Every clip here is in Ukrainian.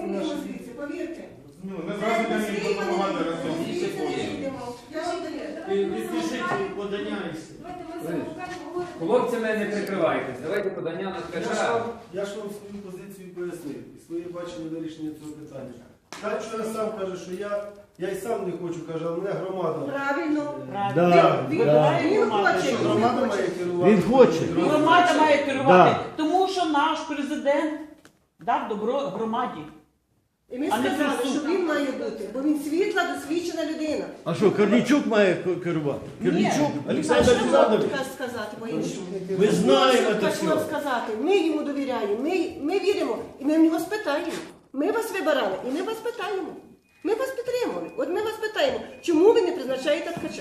вийдемо звідси, повірте. Ми зразу йдемо їм допомагати разом. Підпишіть подання і все. Хлопцями не прикривайтесь. Давайте подання на ткача. Я ж вам свою позицію пояснив і своє бачення вирішення цього питання. Ткач вчора сам каже, що я й сам не хочу, каже, але мене громада. Правильно. Да, Він да. хоче, Що громада має керувати? Він хоче. Громада має керувати, Да. тому що наш президент дав добро громаді. І ми А не сказали, присутній. що він має бути, бо він світла, досвідчена людина. А що, Корнійчук має керувати? Корнійчук, А Олександр що Олександрович. можна сказати по-іншому? Ми знаємо Що це хочу вам все. сказати, ми йому довіряємо, ми віримо, і ми в нього спитаємо. Ми вас вибирали, і ми вас питаємо. Ми вас підтримували. От ми вас питаємо, чому ви не призначаєте ткача?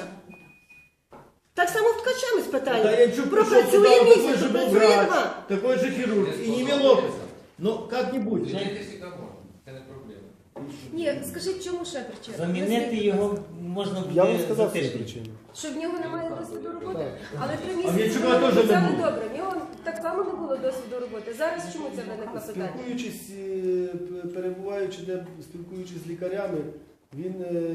Так само в ткача ми спитаємо. Даянчук Пропрацює пришел туда, такой місяць, же был пропрацює врач, два. такой же хирург, и не Милопес. Но как-нибудь. Звільнити всіх можна. Це не проблема. Ні, скажіть, чому ще причина? Замінити його можна Я вам буде за сказав свою тиждень. причину. Що в нього немає досвіду роботи. Але 3 А місяці Вінчука ми теж не казали, було. добре, в нього так само не було досвіду роботи. Зараз чому це виникло питання? Спілкуючись, перебуваючи спілкуючись з лікарями, він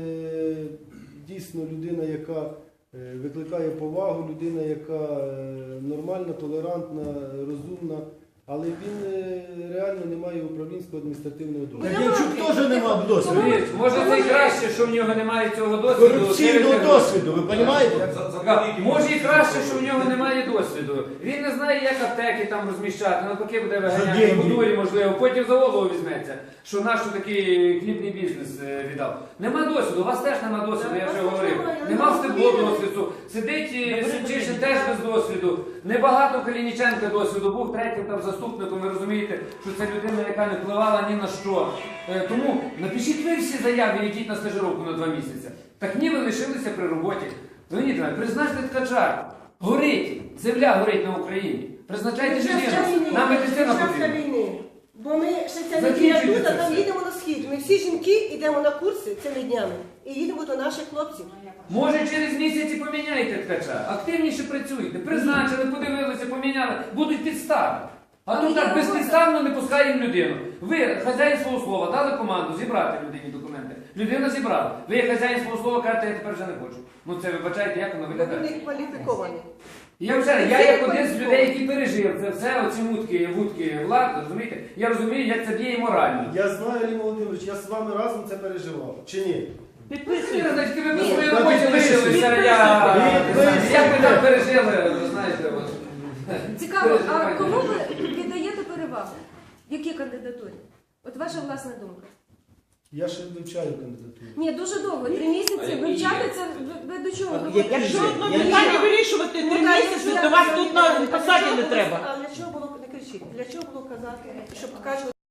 дійсно людина, яка викликає повагу, людина, яка нормальна, толерантна, розумна, але він реально не має управлінського адміністративного досвіду. Даянчук теж не мав досвіду. Може це і краще, що в нього немає цього досвіду. Корупційного досвіду, ви розумієте? Може і краще, що в нього немає досвіду. Він не знає, як аптеки там розміщати, навпаки буде виганяти в дурі, можливо, потім за голову візьметься, що наш такий хлібний бізнес віддав. Нема досвіду, у вас теж нема досвіду, я вже говорив. Нема в Стебло досвіду, сидить Семчишин теж без досвіду. Небагато Калініченка досвіду, був третім там заступником, ви розумієте, що це людина, яка не впливала ні на що. Тому напишіть ви всі заяви, йдіть на стажировку на 2 місяці. Так ні, ви лишилися при роботі. Леонід Іванович, призначте ткача. Горить, земля горить на Україні. Призначайте людину. Нам медицина потрібна. війни. Бо ми ще ця Закінчуйте неділя тут, це а там все. їдемо на схід. Ми всі жінки йдемо на курси цими днями і їдемо до наших хлопців. Може через місяць і поміняйте ткача. Активніше працюйте. Призначили, подивилися, поміняли. Будуть підстави. А тут так безпідставно не пускаємо людину. Ви, хазяїн свого слова, дали команду зібрати людині документи. Людина зібрала. Ви, як хазяїн свого слова, кажете, я тепер вже не хочу. Ну це вибачайте, як воно Бо виглядає. вони кваліфіковані. Я як один з людей, який пережив це все, оці вудки влади, розумієте? Я розумію, як це діє морально. Я знаю, Аліна Володимирович, я з вами разом це переживав. Чи ні? Підписуйте. Значить, ви по своїй роботі лишилися, як ви там пережили, ви знаєте. от. Цікаво, а кому ви віддаєте перевагу? В якій кандидатурі? От ваша власна думка. Я ще вивчаю кандидатуру. Ні, дуже довго, 3 місяці. Вивчати це ви до чого? Якщо одно питання вирішувати 3 місяці, то вас тут на посаді не треба. А для чого було, не кричіть, для чого було казати, щоб кажуть,